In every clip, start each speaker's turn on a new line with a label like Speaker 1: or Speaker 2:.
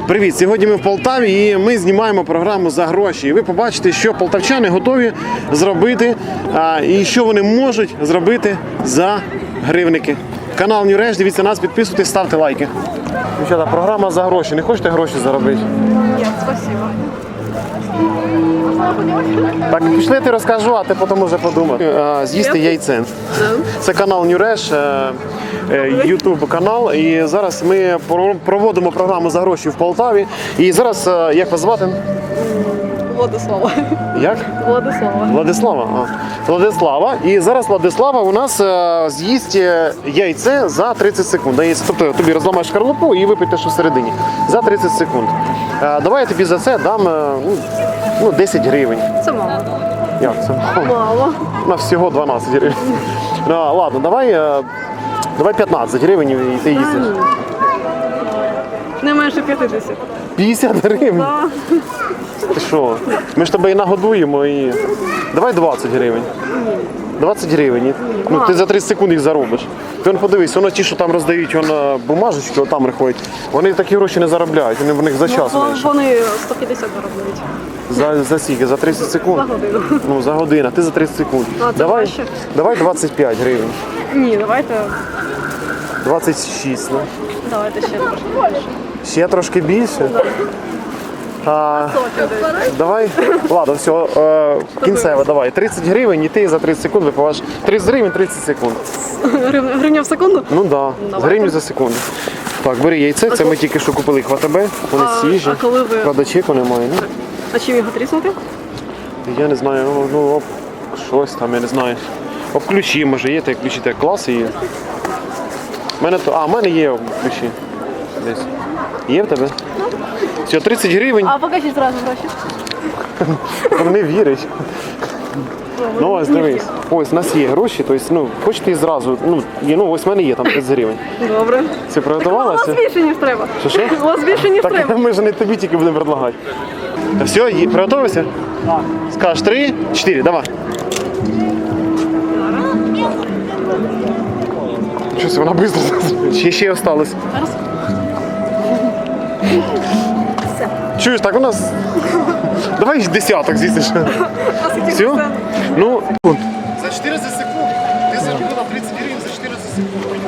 Speaker 1: Привіт! Сьогодні ми в Полтаві і ми знімаємо програму «За гроші». І ви побачите, що полтавчани готові зробити і що вони можуть зробити за гривники. Канал Нюреш, дивіться нас, підписуйтесь, ставте лайки. Дівчата, програма «За гроші». Не хочете гроші заробити?
Speaker 2: Ні, спасибо.
Speaker 1: Так, пішли, ти розкажу, а ти потім вже подумай. З'їсти яйце. Це канал Нюреш, YouTube канал. І зараз ми проводимо програму «За гроші» в Полтаві. І зараз, як вас звати?
Speaker 2: Владислава.
Speaker 1: Як?
Speaker 2: Владислава.
Speaker 1: Владислава. Владислава. І зараз Владислава у нас з'їсть яйце за 30 секунд. Тобто тобі розламаєш шкарлупу і випити, що всередині. За 30 секунд. Давай я тобі за це дам 10 гривень.
Speaker 2: Це мало.
Speaker 1: Як це?
Speaker 2: Мало.
Speaker 1: На всього 12 гривень. Ладно, давай 15 гривень і ти їздиш.
Speaker 2: Не менше 50.
Speaker 1: 50 гривень?
Speaker 2: Да.
Speaker 1: Ти що? Ми ж тебе і нагодуємо і... Давай 20 гривень. 20 гривень. Ну, ти за 30 секунд їх заробиш. Ти подивись, воно ті, що там роздають бумажечки, там приходять, вони такі гроші не заробляють, вони в них за час менше.
Speaker 2: Вони 150 заробляють.
Speaker 1: За скільки? За 30 секунд?
Speaker 2: За годину.
Speaker 1: Ну, за годину, а ти за 30 секунд. Давай 25 гривень.
Speaker 2: Ні, давайте
Speaker 1: 26, ну.
Speaker 2: ще трошки більше.
Speaker 1: Ще трошки більше? Давай, ладно, все, кінцево, давай. 30 гривень і ти за 30 секунд випиваєш. 30 гривень, 30 секунд.
Speaker 2: Гривня в секунду?
Speaker 1: Ну так, да. Гривню за секунду. Так, бери яйце, це ми тільки що купили їх в АТБ, вони свіжі.
Speaker 2: А коли ви...
Speaker 1: Правда, чеку немає, ну?
Speaker 2: А чим його тріснути?
Speaker 1: Я не знаю, щось там, я не знаю. Об ключі, може, є, та ключі, так клас є. В мене є ключі. Десь. Є в тебе? Все, 30 гривень.
Speaker 2: А покажіть зразу гроші.
Speaker 1: Не віриш. Ну ось дивись, ось у нас є гроші, тобто, хочете і зразу, ось в мене є там 30 гривень.
Speaker 2: Добре.
Speaker 1: Це приготувалося?
Speaker 2: У вас більше, ніж треба.
Speaker 1: Що?
Speaker 2: У вас більше, ніж треба.
Speaker 1: Так ми ж не тобі тільки будемо предлагати. Все, приготувався? Так. Скажеш 3, 4, давай. Щось вона швидко. Ще осталось.
Speaker 2: Зараз.
Speaker 1: Чуєш, так у нас... Давай десяток з'їсиш. Все? Ну, за 400 секунд ти заробила 30 гривень за 400 секунд.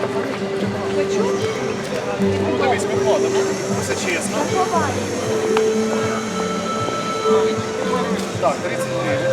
Speaker 1: Ну, дивись, ми вкладемо. Все чесно. Так, 30 гривень.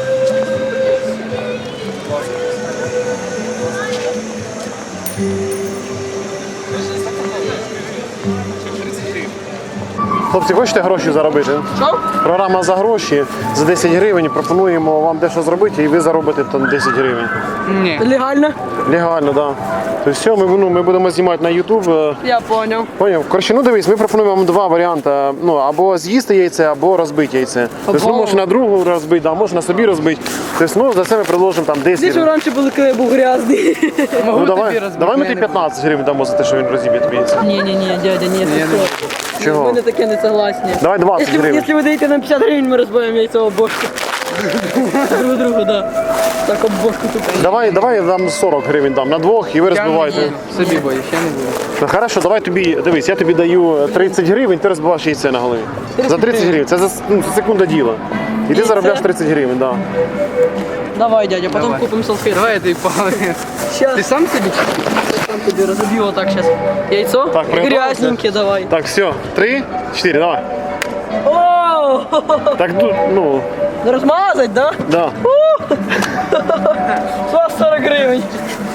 Speaker 1: Хлопці, хочете гроші заробити?
Speaker 2: Що?
Speaker 1: Програма «За гроші» за 10 гривень. Пропонуємо вам дещо зробити і ви заробите там 10 гривень.
Speaker 2: Ні. Легально?
Speaker 1: Легально, так. Да. Тобто все, ми будемо знімати на YouTube.
Speaker 2: Я поняв.
Speaker 1: Поняв. Коротше, дивись, ми пропонуємо вам два варіанти. Або з'їсти яйце, або розбити яйце. Тобто можна на другу розбити, можна на собі розбити. Тобто, за це ми предложимо там 10 гривень.
Speaker 2: Ти раніше були, коли я був грязний.
Speaker 1: Давай ми тобі 15 гривень дамо за те, що він розіб'є тобі яйце.
Speaker 2: Ні, дядя, ні, це що?
Speaker 1: Чого?
Speaker 2: Ми не таке не согласні.
Speaker 1: Давай 20 гривень.
Speaker 2: Якщо ви даєте нам 50 гривень, ми розбиваємо яйцо об бошку. Друг другу, да. Так об бошку тут.
Speaker 1: Давай я дам 40 гривень дам на двох і ви розбиваєте.
Speaker 3: Собі боюсь, я не буду.
Speaker 1: Ну, хорошо, давай тобі, дивись, я тобі даю 30 гривень, ти розбиваєш яйце на голові. За 30 гривень, це за секунду діла. І ти заробляєш 30 гривень, так. Да.
Speaker 2: Давай, дядя, потім
Speaker 3: Давай.
Speaker 2: купимо салфетки.
Speaker 3: Давай я тобі половину.
Speaker 2: Щас.
Speaker 3: Ти сам собі?
Speaker 2: Сам тобі розоб'ю отак зараз. Яйцо?
Speaker 1: Так, приготовився?
Speaker 2: Грязненьке давай.
Speaker 1: Так, все, 3, 4, давай.
Speaker 2: О!
Speaker 1: Так,
Speaker 2: Не розмазать, да?
Speaker 1: да.
Speaker 2: 40 гривень.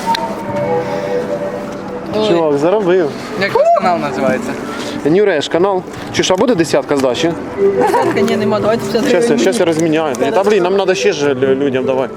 Speaker 1: Чувак, заробив.
Speaker 3: Як ваш канал називається?
Speaker 1: Нюреш канал. Чи а буде десятка здачі?
Speaker 2: Десятка, ні, нема, давайте 50 гривень.
Speaker 1: Зараз я розміняю. Та блін, нам треба ще ж людям, давай.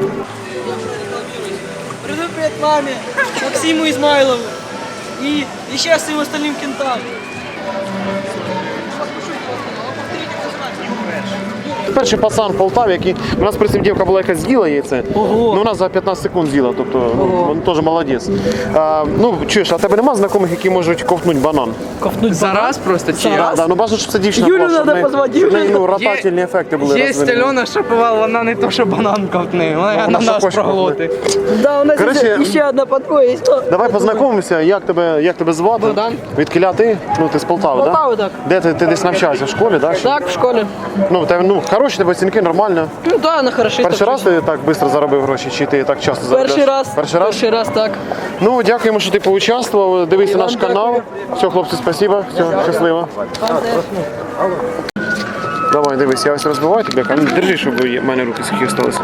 Speaker 2: Привет маме, Максиму Измайлову и еще всем остальным кентам.
Speaker 1: перший пацан в Полтаві, який... У нас при цим дівка була, яка з'їла яйце.
Speaker 2: Ого.
Speaker 1: Ну, вона за 15 секунд з'їла, тобто він теж молодець. Ну, чуєш, а в тебе нема знайомих, які можуть ковтнути банан?
Speaker 2: Ковтнуть
Speaker 3: Зараз просто чи
Speaker 2: Зараз.
Speaker 1: Да, ну бажано, щоб це дівчина
Speaker 2: Юлю
Speaker 1: була, щоб
Speaker 2: надо
Speaker 1: в неї-
Speaker 2: позвати,
Speaker 1: щоб в неї,
Speaker 2: Юлю.
Speaker 1: ну, ротательні ефекти були
Speaker 3: Є
Speaker 1: розвинені.
Speaker 3: Альона Шаповал, вона не то, що банан ковтне, вона
Speaker 1: вона
Speaker 3: на
Speaker 1: що
Speaker 3: нас
Speaker 1: хоче
Speaker 3: проглотить.
Speaker 2: Да, у нас
Speaker 1: Короче,
Speaker 2: ще одна подвоє.
Speaker 1: Давай познайомимося, як тебе звати?
Speaker 2: Богдан.
Speaker 1: Відкіля ти? Ну, ти з Полтави,
Speaker 2: Полтави,
Speaker 1: да?
Speaker 2: так.
Speaker 1: Де ти десь навчаєшся в школі, так?
Speaker 2: Так, в школі.
Speaker 1: Ну, в тебе, ну, хороші тебе оцінки, нормально.
Speaker 2: Ну да, на хороший.
Speaker 1: Перший раз ти так швидко заробив гроші, чи ти так часто заробляєш?
Speaker 2: Перший раз.
Speaker 1: Перший раз?
Speaker 2: Перший раз, так.
Speaker 1: Ну, дякуємо, що ти поучаствував. Дивися
Speaker 2: вам
Speaker 1: наш канал. Все, хлопці, спасибо. Все, щасливо. Давай, дивись, я ось розбиваю тебе. А ну, держи, щоб в мене руки сухі залишилися.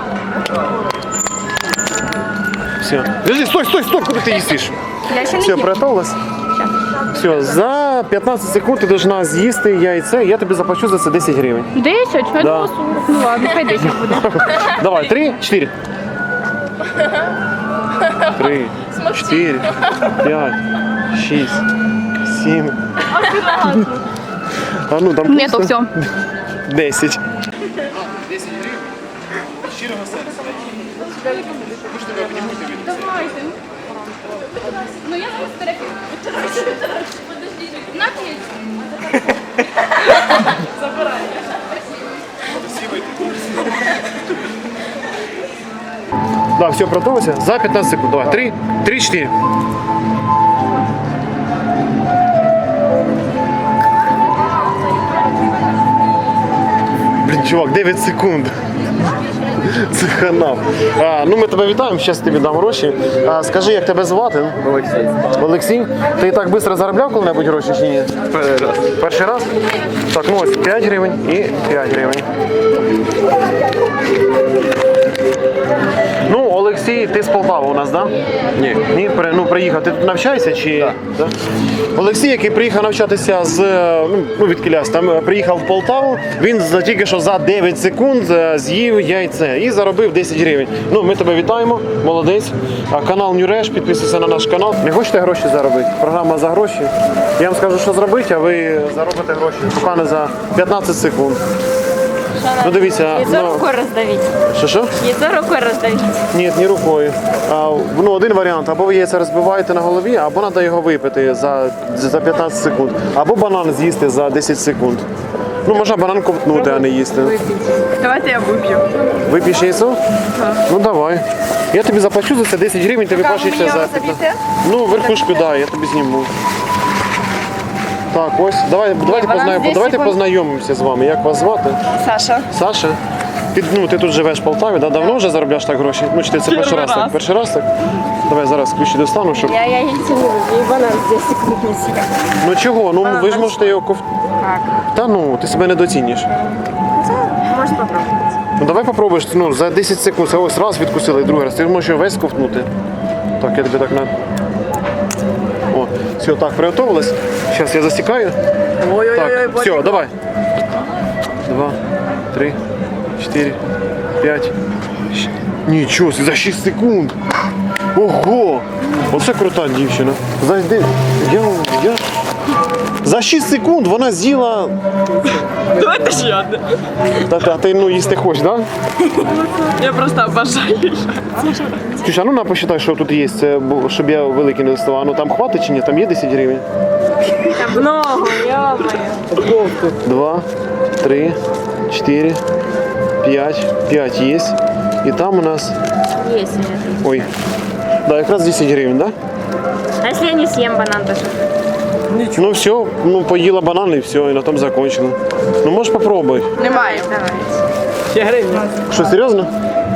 Speaker 1: Все. Держи, стой, куди ти їсиш?
Speaker 4: Я ще не
Speaker 1: Все,
Speaker 4: їм.
Speaker 1: приготовилась? Все, за 15 секунд ти должна з'їсти яйце, я тобі заплачу за це 10 гривень.
Speaker 4: 10? Я думала 40. Ну ладно, хай 10 буде.
Speaker 1: Давай, 3, 4. 3, 4, 5, 6, 7. А ну там
Speaker 4: Ні, то все.
Speaker 1: 10.
Speaker 4: Давайте. Ну я зараз перепишу. Подождіть. На п'ять.
Speaker 1: Да, все, продовжуйся. За 15 секунд. Давай, 3, 4. Блін, чувак, 9 секунд. Це хана. Ну, ми тебе вітаємо, зараз тобі дам гроші. Скажи, як тебе звати?
Speaker 3: Олексій.
Speaker 1: Олексій? Ти так швидко заробляв коли-небудь гроші чи ні?
Speaker 3: Перший раз.
Speaker 1: Перший раз? Так, ну ось 5 гривень і 5 гривень. Ну, Олексій, ти з Полтави у нас, так? Да?
Speaker 3: Ні.
Speaker 1: Ні, приїхав. Ти тут навчаєшся чи? Да. Олексій, який приїхав навчатися з від Кіляс, там приїхав в Полтаву, він тільки що за 9 секунд з'їв яйце і заробив 10 гривень. Ну, ми тебе вітаємо, молодець. Канал Нюреш, підписуйся на наш канал. Не хочете гроші заробити? Програма за гроші. Я вам скажу, що зробити, а ви заробите гроші буквально за 15 секунд. Ну дивіться,
Speaker 4: Яйцо рукою роздавіть.
Speaker 1: що?
Speaker 4: Яйцо рукою роздавіть.
Speaker 1: Ні, не рукою. Один варіант. Або ви яйце розбиваєте на голові, або треба його випити за 15 секунд. Або банан з'їсти за 10 секунд. Ну, можна банан ковтнути, а не їсти.
Speaker 4: Давайте я вип'ю.
Speaker 1: Вип'єш яйцо? Ну давай. Я тобі заплачу за це 10 гривень, тобі плачеться за 15. Ну, верхушку, да, я тобі зніму. Так, ось. Давайте познайомимося з вами. Як вас звати?
Speaker 4: Саша.
Speaker 1: Саша? Ти тут живеш в Полтаві, да? Давно вже заробляєш так гроші? Ну, чи ти це перший раз так? Перший раз так? Давай зараз ключі достану, щоб...
Speaker 4: Я яйцо не люблю, и банан здесь секунд не
Speaker 1: Ну чого? Ну ви ж можете його
Speaker 4: Как?
Speaker 1: Та ну, ти себе недооцінюєш.
Speaker 4: Можно попробовать.
Speaker 1: Ну давай попробуєш, ну, за 10 секунд. Ось раз відкусили, і другий раз. Ти можеш його весь ковтнути. Так, я тобі так на... О, все, так, приготовилась. Зараз я засікаю. Так, все, давай. 2, 3, 4, 5. Нічого, за 6 секунд. Ого! Оце крута дівчина. За 6 секунд вона з'їла.
Speaker 2: Давайте ще одне.
Speaker 1: А ти їсти хочеш, так?
Speaker 2: Я просто обожаю.
Speaker 1: Слушай, а ну посчитай, що тут є, це, щоб я великий не доставав. Ну там хватить чи ні? Там є 10 гривень?
Speaker 2: Много, ё-моё.
Speaker 1: 2, 3, 4, 5. 5 є. І там у нас...
Speaker 4: Есть.
Speaker 1: Ой. Да, якраз 10 гривень, так?
Speaker 4: А если я не съем банан тоже?
Speaker 1: Ну все, ну поїла банан і все, і на тому закончила. Ну можеш попробуй.
Speaker 2: Немає.
Speaker 4: Давай.
Speaker 2: Ще гривня.
Speaker 1: Що, серйозно?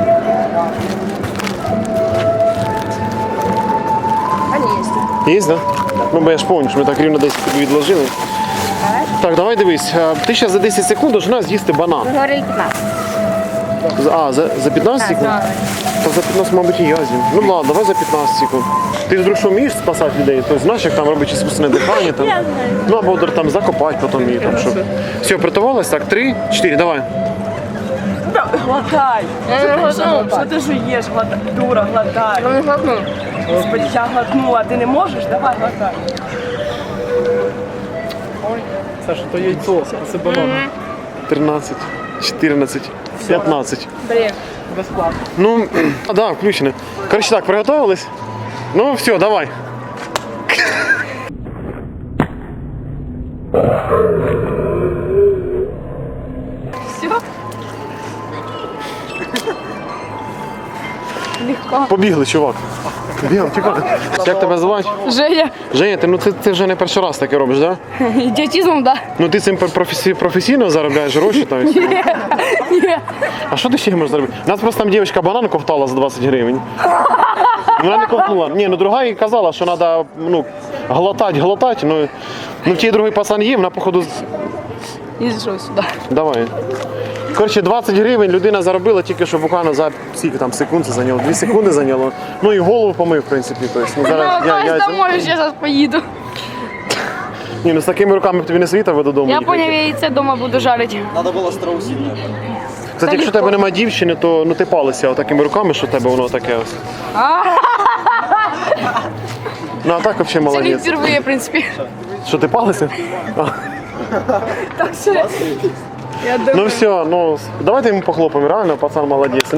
Speaker 4: Они есть.
Speaker 1: Є, да? Ну бо я ж пам'ятаю, що ми так рівно 10 тобі відложили. Так, давай дивись. Ти зараз за 10 секунд должна з'їсти банан.
Speaker 4: Вы говорили 15.
Speaker 1: За 15 секунд? Та за 15, мабуть, і я з'їм. Ну ладно, давай за 15 секунд. Ти вдруг що вмієш спасати людей? Тобто знаєш, як там робити іскусне дихання? Там.
Speaker 4: Я знаю.
Speaker 1: Ну або там закопати потім її. Там, щоб... Все, приготувалась? Так, 3, 4, давай.
Speaker 2: Глотай.
Speaker 4: Я не глотну.
Speaker 2: Що ти жуєш, дура, глотай.
Speaker 4: Ну не глотну.
Speaker 2: Господи, я глотнула, ти не можеш? Давай, глотай.
Speaker 5: Саша, то яйцо, а це банан.
Speaker 1: 13, 14, 15.
Speaker 4: Блин.
Speaker 1: Ну, да, включено. Короче, так, приготовились? Ну, все, давай.
Speaker 4: Легко.
Speaker 1: Побігли, чувак. Бігли, чекай. Як тебе звати?
Speaker 2: Женя.
Speaker 1: Женя, ти вже не перший раз таке робиш, так? Да?
Speaker 2: Ідіотизмом, да?
Speaker 1: Ну ти цим професійно заробляєш гроші, то есть?
Speaker 2: Ні.
Speaker 1: А що ти ще можеш зробити? У нас просто там дівчинка банан ковтала за 20 гривень. Вона не ковтнула. Ні, ну друга їй казала, що треба глотати. Ну в тій другий пацан їв, вона походу.
Speaker 2: І зійшов сюди.
Speaker 1: Давай. Коротше, 20 гривень людина заробила тільки що буквально за скільки там секунд це зайняло, 2 секунди зайняло. Ну і голову помив, в принципі. Тобто, ну, зараз
Speaker 2: Я домой, ще зараз поїду.
Speaker 1: Ні, ну з такими руками б тобі не світав додому.
Speaker 2: Я
Speaker 1: їхати.
Speaker 2: поняв, я яйце вдома буду жарити.
Speaker 1: Кстати, якщо в тебе немає дівчини, то ну ти палися такими руками, що в тебе воно таке ось. Ну а так взагалі
Speaker 2: Це не
Speaker 1: молодець.
Speaker 2: впервые, в принципі.
Speaker 1: Що ти палися? А,
Speaker 2: Так що я думаю.
Speaker 1: ну все, ну давайте йому похлопаємо, реально, пацан молодець.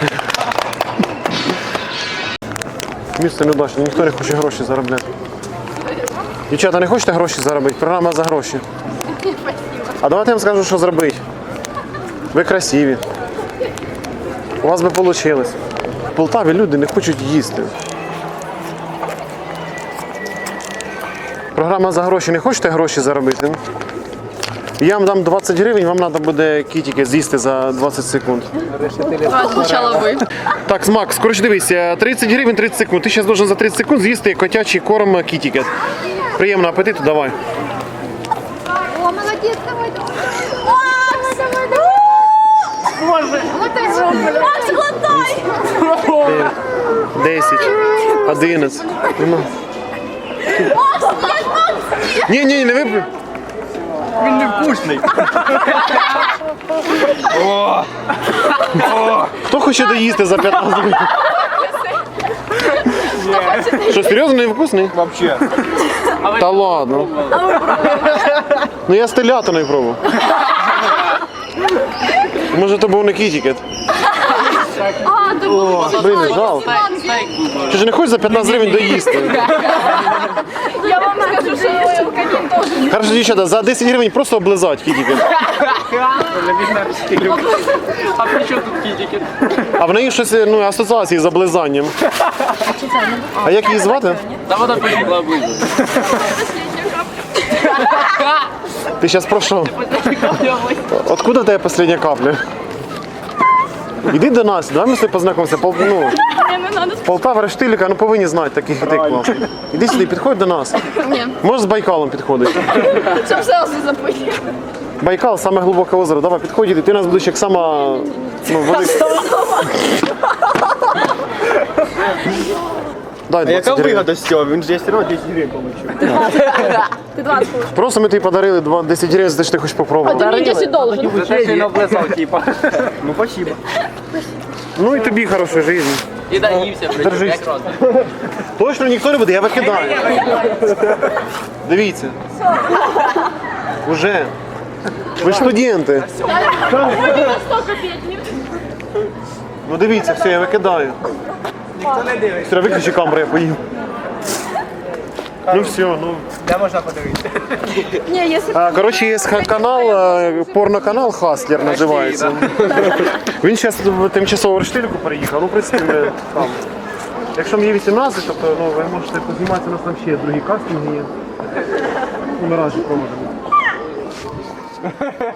Speaker 1: Місце неудачне, ніхто не хоче гроші заробляти. Дівчата, не хочете гроші заробити? Програма за гроші. А давайте я вам скажу, що зробити. Ви красиві. У вас би вийшло. В Полтаві люди не хочуть їсти. Програма за гроші. Не хочете гроші заробити? Я вам дам 20 гривень, вам треба буде кітики з'їсти за 20 секунд.
Speaker 2: Спочатку ви.
Speaker 1: Так, Макс, коротше дивись, 30 гривень 30 секунд. Ти зараз должен за 30 секунд з'їсти котячий корм кітікет. Приємного апетиту, давай.
Speaker 4: О, молодец, давай, давай. Макс, давай, давай. Боже. Макс, глотай.
Speaker 1: 10, 11. Ну. Ні, не випив.
Speaker 3: Він не вкусний.
Speaker 1: Хто хоче доїсти за 15 гривень? Що, серйозно не вкусний?
Speaker 3: Вообще.
Speaker 1: Та ладно. Ну я з телятиною пробував. Може то був не кітікет. Блін, жалко. Ти ж не хочеш за 15 гривень доїсти?
Speaker 2: Я вам скажу, що алкоголь теж.
Speaker 1: Хорошо, дівчата, за 10 гривень просто облизати кітікет.
Speaker 3: А при чому тут кітики?
Speaker 1: А в неї щось асоціації з облизанням. А як її звати?
Speaker 3: Та вона поїхала облизати.
Speaker 1: Ти зараз про що? Откуда в тебе остання капля? Іди до нас, давай ми з тобою познайомимося. Полтава, Рештилька, ну повинні знати таких як ти класних. Іди сюди, підходь до нас.
Speaker 2: Ні.
Speaker 1: Можеш з Байкалом підходити.
Speaker 2: Щоб селси запити.
Speaker 1: Байкал, саме глибоке озеро. Давай, підходь, іди. Ти нас будеш як сама велика. Дай 20 гривень.
Speaker 3: з цього? Він же все одно 10 гривень отримав.
Speaker 4: Ты 20 получишь.
Speaker 1: Просто ми тобі подарили 10 гривень, за те, що ти хочеш
Speaker 2: А
Speaker 1: попробувати.
Speaker 2: ти мені 10 должен.
Speaker 3: За те, що він облизав, типа. Ну, спасибо.
Speaker 1: Ну і тобі хорошої життя.
Speaker 3: І доївся,
Speaker 1: Держись. Точно ніхто не буде, я викидаю. Дивіться. Уже. Ви ж студенти. Ну дивіться, все, я викидаю. Все, виключи камеру, я поїм. Ну все, ну.
Speaker 3: Де можна подивитися?
Speaker 4: Не, если
Speaker 1: Коротше, є канал, порноканал Хаслер називається. Він зараз тимчасово в Рештильку переїхав, ну, в принципі, ми там. Якщо мені 18, то ви можете позніматися, у нас там ще другі кастинги є. Ми разі проводимо.